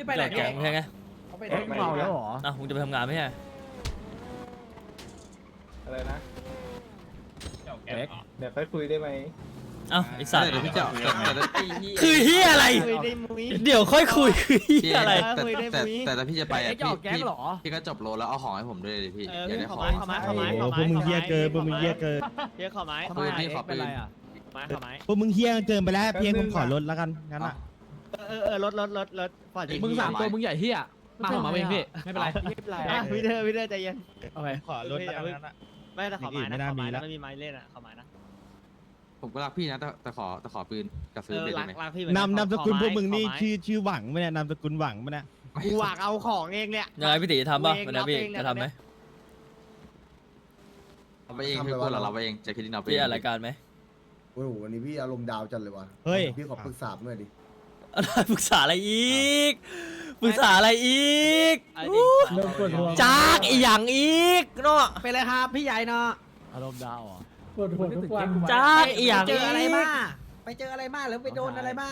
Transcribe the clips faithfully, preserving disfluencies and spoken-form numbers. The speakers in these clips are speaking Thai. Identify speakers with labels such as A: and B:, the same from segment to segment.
A: ไปไหน
B: แกงใช่ไง
A: เขาไปไหน
C: เอ๊ะเมาแล้วเหรอ
B: อ้าวมึงจะไปทำงานไหมฮะ
A: อะไรนะ
C: เอ๊ะ
A: เดี๋ยวค่อยคุยได้ไหม
B: อ้าวไอสัตว์
D: เดี๋ยวพี่เจ้าแต่แต่
B: คือเฮียอะไร
C: คุยได้มุ้ย
B: เดี๋ยวค่อยคุยคือเฮียอะไร
D: แต่แต่แต่แต่พี่จะไป
C: เอ๊ะ
D: อ่ะ
C: จะออกแก๊งเหรอ
D: พี่ก็จบโลแล้วเอาของให้ผมด้วยดิพี่
C: เออ
D: เดี๋ยวได้
C: ข
D: ข
C: อ
D: อง
C: ไม้ขอไม้ขอไม้ขอ
E: โอ้
C: ไม้
E: พวกมึงเฮี้ยเกินพวกมึงเฮี้ยเกิน
C: เฮียขอไม้
D: ปืนพี่ขอปืน
C: ไม้ขอไม้
E: พวกมึงเฮี้ยเกินไปแล้วเพียงผมขอลดแล้วกันงั้นอ่ะ
C: เออเออรถรถรถรถฝ่าย
F: มึงสามตัวมึงใหญ่เฮียมาของมาเองพี่ไม่เป็นไร
C: ไม่เป็นไรพี่เธอพี่เธอใจเย็น
F: โอเค
E: ขอลดแล้วกันงั้นอ่ะ
C: ไม่แต่ขอไม้นะขอไม้นะไม่มีไม้เล่นอ่ะขอไม้นะ
D: ผมก็รักพี่นะแต่แต่ขอแต่ขอปืนกับ
C: เอ
D: ซื้อ
C: อ
D: เบ็ด
C: รั
D: ได้
C: ก
D: ไหม
C: รักพี่
E: นำนามสกุลพวกมึงนี่ชื่อชื่อหวังไหมเนี่ยนามสกุลหวังไหมเนี่ย
C: กูหวักเอาของเองเนี่ย
B: ยังไงพี่ตีจะทำป่ะวันนี้พี่
C: เองนะ
B: จะทำไหม
D: เอาไปเองพี่พูดเราเราไปเองจะคิดดินเอาไป
B: พี่
D: เอง
B: อะไรายการไหม
G: โอ้โหวันนี้พี่อารมณ์ดาวจัดเลยว่ะ
E: เฮ้ย
G: พี่ขอปรึกษาหน่อยดิ
B: อะไรปรึกษาอะไรอีกปรึกษาอะไรอีก
C: เริ่มปวดหัว
B: จากอีหยังอีกเนาะ
C: ไปเลยครับพี่ใหญ่เนาะ
F: อารมณ์ดาวเหรอ
A: ปวดหัวทุกวัน
B: จากอีหยัง
C: เจออะไร
B: ก
C: มาไปเจออะไรมาหรือไปโดนอะไรมา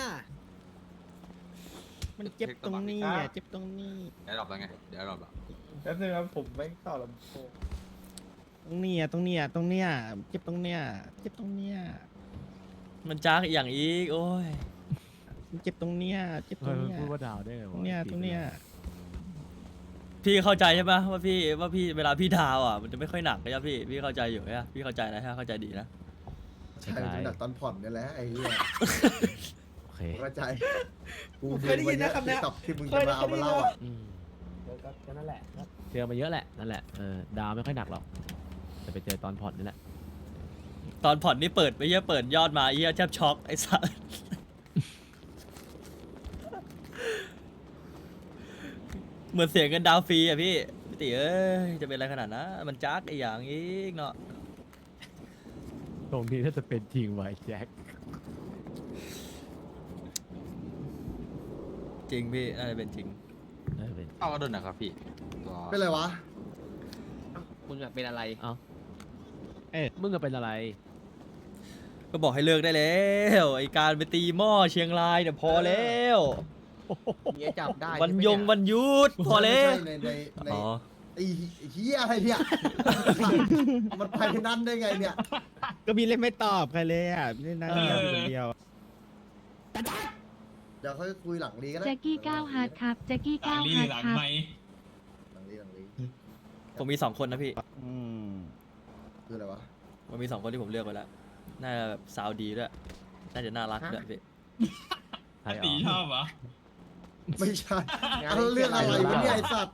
E: มันเจ็บตรงนี้อ่ะเจ็บตรงนี้
D: เดี๋ยวรอบแล้วไงเดี๋ยวรอบแล้ว
A: แป๊บนึงครับผมไม่ต่อลำโพง
E: ตรงนี้อ่ะตรงเนี้ยตรงเนี้ยเจ็บตรงเนี้ยเจ็บตรงเนี้ย
B: มันจากอีหยังอีกโอ้ย
E: เจ็บตรงเนี้ยเจ็บต
F: เอ
E: รง
F: อ
E: เนี้ย
F: พูดว่าดาวได้ไง
E: ต
F: วะ
E: รงเนี้ยตรงเนี้ย
B: พี่เข้าใจใช่ปะว่าพี่ว่าพี่เวลาพี่ดาวอ่ะมันจะไม่ค่อยหนักนะพี่พี่เข้าใจอยู่นะพี่เข้าใจนะฮะเข้าใจดีนะ
G: ใช่มันหนักตอนผ่อนนี่แหละไอ้เหี้ย
F: โอเค
G: เข้าใจกู
A: เคยได้ยินนะคำเนี้ย
G: ตับที่มึงจะมาเอามาเล่าอ่ะ
F: อืม
A: เดี๋ยวก็นั่นแหละ
F: เจอมาเยอะแหละนั่นแหละเออดาวไม่ค่อยหนักหรอกแต่ไปเจอตอนผ่อนนี่แหละ
B: ตอนผ่อนนี่เปิดไปเยอะเปิดยอดมาเยี่ยแทบช็อกไอ้สัสเหมือนเสียเงินดาวฟรีอ่ะพี่พี่ติเอ้ยจะเป็นอะไรขนาดนั้นมันจักไอ้อย่างอีกเนาะ
F: ตรงนี้ถ้าจะเป็นจริงไว้แจ็ค
B: จริงพี่น่าจะเป็นจริง
F: น่าจะเป็น
D: เอาก็โดนนะครับพี่ตัว
G: เป็นไรวะ
C: มึงอยากเป็นอะไร
F: เอ้าเอ๊ะมึงจะเป็นอะไร
B: ก็บอกให้เลิกได้แล้วไอการไปตีหม้อเชียงรายเนี่ยพอแล้ว
C: เมียจับได้
B: วันยงวันหยุดพอแล้ว
G: ในในใน
B: อ๋อ
G: ไอ้เหี้ยอะไรเนี่ย มันไปนั่นได้ไงเนี่ย
E: ก็พี่เล่นไม่ตอบใครเลยอ่ะพี่เล่นนั่งเงียบอยู่คนเดียว
G: เดี๋ยวค่อยคุยหลังลีก็ได้
H: แจ็กกี้ก้าวฮาร์ดครับแจ็กกี้ก้าวฮาร์ดครับ
G: หลังลีหลังลี
B: ผมมีสองคนนะพี่
E: อืม
G: คืออะไรวะ
B: ผมมีสองคนที่ผมเลือกไว้แล้วน่าจะแบบสาวดีด้วยน่าจะน่ารักด้วยพี่
F: ใครอ๋อ
G: ไม่ใช่เอาเรื่องอะไรวะเนี่ยไอ้สัตว์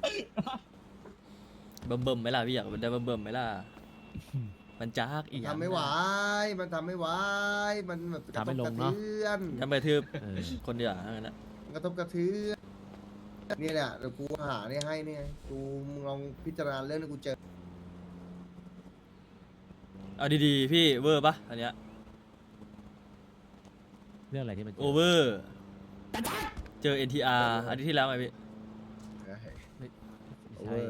B: เบิ่มเบิ่มๆไหมล่ะพี่อยากเป็นได้เบิ่มเบิ่มๆไหมล่ะมันจักอีกอย่าง
G: ทำไม่ไหวมันทำไม่ไหวมันแบบกระทบกระเทือน
B: ทำไปทืบ
F: เออ
B: คนเดียวอ่ะงั้นนะ
G: กระทบกระเทือนนี่แหละเดี๋ยวกูหาเนี่ยให้เนี่ยกูมึงลองพิจารณาเรื่องที่กูเจอ
B: เอาดีๆพี่เวอร์ปะอันเนี้ย
F: เรื่องอะไรที่มัน
B: โอเวอร์เจอ เอ็น ที อาร์ อันนี้ที่แล้วไงพี่
G: โอเวอร์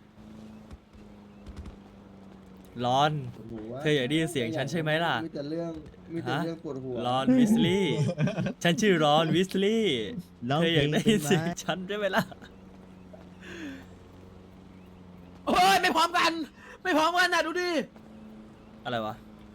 B: ร้อน
G: ปวดหัว
B: เธออยากได้ยินเสียงฉันใช่ไหมล่ะ
G: มีแต่เรื่องมีแต่เรื่องปวดหัว
B: รอนวิสลี่ ฉันชื่อรอนวิสลี่
E: ร้อง
B: เธอ
E: เพ
B: อ
E: ล
B: ยาก
E: ง
B: ได้
E: เป็
B: ยิ
E: น
B: น
E: ไหม
B: เสียงฉันใช่ไหมล่ะ
C: โอ้ยไม่พร้อมกัน ไม่พร้อมกันนะดูดิ
B: อะไรวะ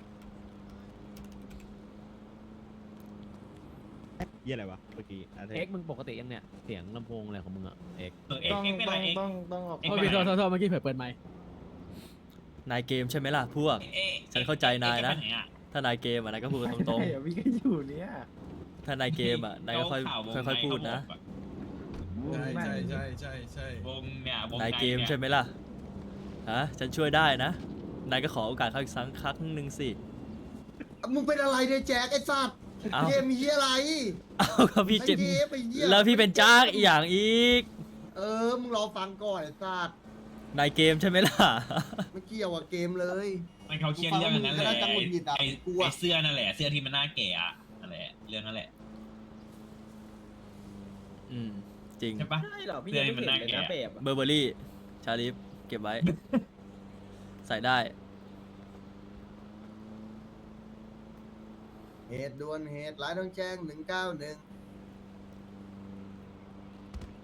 E: เยี่ยอะไรวะเมื่อกี้อะไร
F: เอ็กมึงปกติยังเนี่ยเสียงลำโพงอะไรของมึงอะเอ็ก
A: ต้องต้องต้องต้องออก
F: โทษพี่โทษโทษโทษเมื่อกี้เผื่อเปิดไมค์
B: นายเกมใช่ไหมล่ะพวก ฉันเข้าใจนายนะ ถ้านายเกมอ่ะนายก็พูดกันตรง
A: ใช่อะพี่ก็อยู่เนี่ย
B: ๆ ถ้านายเกมอ่ะนายก็ค่อยค่อยๆพูดนะ
A: ใช่ใช่ใช่
I: ใช่ใช่
J: วงเนี่ยวง
B: นายเกมใช่ไหมล่ะ ฮะ ฉันช่วยได้นะ นายก็ขอโอกาสเขาอีกสักครั้งหนึ่งสิ
G: มึงเป็นอะไรเนี่ยแจ็คไอ้สัตว์
B: เอ้า
G: เกมมีเหี้ยอะไร
B: เอาก็พี่เจ็บ
G: ไอ้เกมไอ้เหี้ย
B: แล้วพี่เป็นจ้ากอีกอย่างอีก
G: เออมึงรอฟังก่อนไอ้สัตว์
B: นายเกมใช่ไหมล่ะ
G: ไม่เกี่ยวกับเกมเลย
J: มันเขาเครียดเรื่องนั้นแหละ
G: กูฟังมึงก็น่าจะหงุดหงิดอะ
J: ไอ้
G: กูอะ
J: ไอ้เสื้อนั่นแหละเสื้อที่มันหน้าแก่อะนั่นแหละเรื่องนั่นแหละ
B: อืม จริง
J: ใช่ปะ
C: ใช่เหรอพี่
J: เสื้อ
C: ยัง
J: นี่
C: ไม่
J: มัน
C: เห็น
J: น่า
C: เลย
J: แก่
C: นะเบบอะ
B: เบอร์เบอรี่ ชาลิฟ เก็บไว้ ใส่ได้
G: เหตุด่วนเหตุร้ายต้องแจ้งหนึ่งเก้าหนึ่ง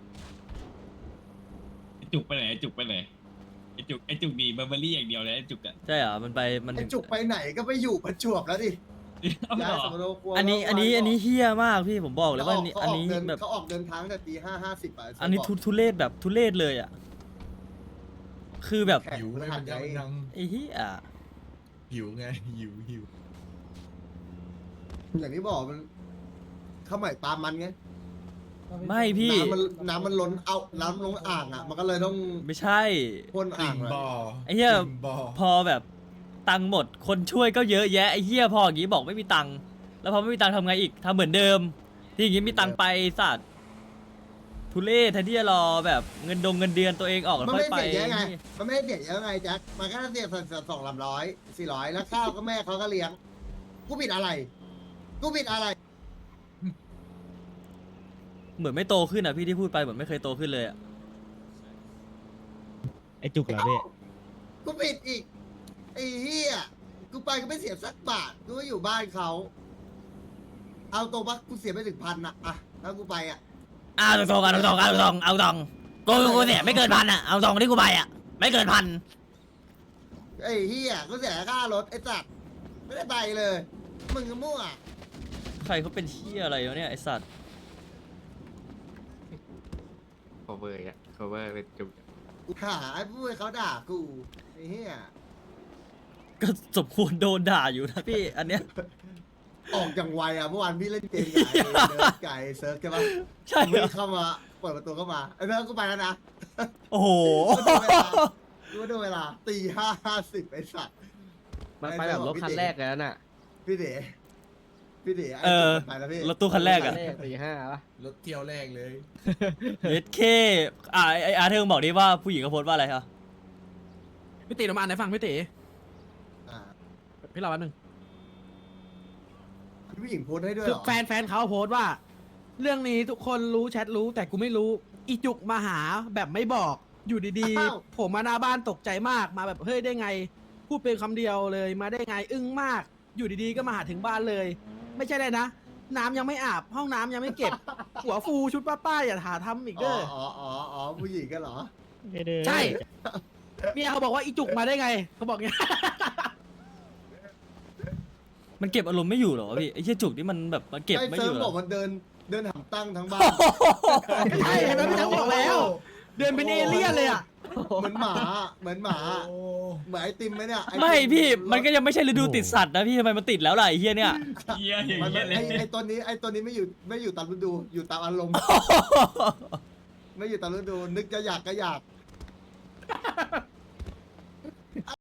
J: จุกไปไหนไอ้จุกไปไหนไอ้จุกไอ้จุกดีเบอร์เบอรี่อย่างเดียวเลยไอ้จุกอะ
B: ใช่เหรอมันไปมัน
G: ไอ้
B: ถึง
G: จุกไปไหนก็ไปอยู่ประจวบแล้วดิ
J: เอา
G: ย้าย
J: เหร
G: ส
J: อ
G: มโนครัว
B: อันนี้อันนี้อันนี้เฮี้ยมากพี่ผมบอกเลยว่าอันนี้
G: เขา
B: อัน
G: ออก
B: นี้
G: เดิน
B: แบบ
G: เขาออกเดินทางแต่ตีห้าห้าสิบอะ
B: อันนี้ทุทุเรศแบบทุเรศเลยอ่ะคือแบบ
G: แข่ง
A: หิว
G: พฤ
A: ไง
G: หั
A: มั
G: ส
A: น
G: ไง
A: ยังยัง
B: ไอ้เหี้ย
A: หิวไงหิวหิว
G: อย่างที่บอกมันข้าวใหม่ปลามันไง
B: ไม่พี่
G: น้ำมันน้ำมันล้นเอาน้ำลงอ่างอ่ะ มันก็เลยต้อง
B: ไม่ใช่
G: พ่น
A: ติ่
G: อ่าง
A: ง
G: เลย
A: บ่อ
B: ไอ้เหี้ย
A: ติ่งบ่อ
B: พอแบบตังค์หมดคนช่วยก็เยอะแยะไอ้เหี้ยพออย่างงี้บอกไม่มีตังค์แล้วพอไม่มีตังค์ทำไงอีกทำเหมือนเดิม ที่อย่างงี้มีตังค์ไปสัตว์ทุเรศแทนที่จะรอแบบเงินดงเงินเดือนตัวเองออกแล้ว
G: มัน
B: ค่อ
G: ไม่
B: ยไป
G: ได้เสียเยอะไง มันไม่ได้เสียเยอะไงแจ็คมันแค่เสียสองสามร้อยสี่ร้อยแล้วข้าวก็แม่เขาก็เลี้ยงกูผิดอะไรกูผิดอะไร
B: เหมือนไม่โตขึ้นอ่ะพี่ที่พูดไปเหมือนไม่เคยโตขึ้นเลยอ่ะ
E: ไอ้จุกเหรอพี่
G: กูผิดอีกไอ้เหี้ยกูไปก็ไม่เสียสักบาทกูก็อยู่บ้านเขาเอาตรงปะกูเสียไปถึงพันอะอะถ้ากูไปอะ
B: อ้าวตรงๆกันตรงๆกันตรงๆเอาตรงกูกูเนี่ยไม่เกินพันอ่ะเอาตรงที่กูไปอ่ะไม่เกินพัน
G: ไอ้เหี้ยกูเสียค่ารถไอ้สัตว์ไม่ได้ไปเลยมึงก็มั่ว
B: ใครเขาเป็นเหี้ยอะไรวะเนี่ยไอสัตว์
D: cover อ่ะ cover เป็นจุก
G: กูหาไอ้พูดให้เขาด่ากูไอ้เหี้ย
B: ก็สมควรโดนด่าอยู่นะพี่อันเนี้ย
G: ออกอย่างไวอะเมื่อวานพี่เล่นเกมกับไอ้เนิร์ดไก่เซิร์ฟใช่ปะ
B: ใช่เหร
G: วิ่
B: อง
G: เข้ามาเปิดประตูเข้ามาไอ้เนิร์ดกูไปแล้วนะ
B: โอ้โห
G: ดูดูเวลาตีห้าห้าสิบไอ้สัตว์
F: มันไปแบบรถคันแรกเลยนะน่ะ
G: พี่เด๋พี่เด๋ไอ้
B: เออ
G: จุดไปแล้วพี่
B: รถตู้คันแรกอะ
F: คันแรกตีห้าปะ
A: รถเที่ยวแรกเลย
B: เอสเคอ่าไออาร์เธอร์บอกดิว่าผู้หญิงเขาโพสต์ว่าอะไรครับ
C: พี่ตีน้ำมันไหนฟังพี่ตี
G: อ่า
C: พี่รอแป๊บนึง
G: ผู้หญิงโพสต์ให้ด้วย
C: คื
G: เห
C: อ
G: รอ
C: แฟนแฟนเขาโพสต์ว่า เรื่องนี้ทุกคนรู้แชทรู้แต่กูไม่รู้อีจุกมาหาแบบไม่บอกอยู่ดีๆ ผมมาหน้าบ้านตกใจมากมาแบบเฮ้ยได้ไง พูดเป็นคำเดียวเลยมาได้ไงอึ้งมาก อยู่ดีๆก็มาหาถึงบ้านเลย ไม่ใช่เลยนะ น้ำยังไม่อาบห้องน้ำยังไม่เก็บ หัวฟูชุดป้าๆอย่าหาทำอีก
G: อ๋
C: เด้
G: อ
C: อ
G: อ๋ออ๋ออ๋อผู้หญิงกันเหรอ
E: ไม่ได้
C: ใช่เมียเขาบอกว่าอีจุกมาได้ไงเขาบอกเงี้ย
B: มันเก็บอารมณ์ไม่อยู่เหรอวะพี่ไอ้เชี่ยจุกนี่มันแบบมันเก็บ
G: ไอ้
B: ไม่
G: เซิ
B: อ
G: ร์ฟ
B: ยู่เหร
G: บ
B: อ
G: อกมันเดินเดินหำตั้งทั้งบ้าน
C: ใช่เห็นไหมพี่ทั้งบอกแล้ว เดินเป็นเอเลี่ยนเลยอ่ะ
G: เหมือนหมาเหมือนหมา
A: โอ้
G: เหมือนไอติมไหมเนี่ยอ้
B: ไม่
G: ติ
B: พี่มันก็ยังไม่ใช่ฤดูติดสัตว์นะพี่ทำไมมันติดแล้วล่ะไอ้เหี้ยเนี่ย
J: เฮียอย่าง
G: มัน
J: เงี้ยเล
G: ไอย ไอตัวนี้ไอตัวนี้ไม่อยู่ไม่อยู่ตามฤดูอยู่ตามอารมณ์ ไม่อยู่ตามฤดูนึกจะอยากก็อยาก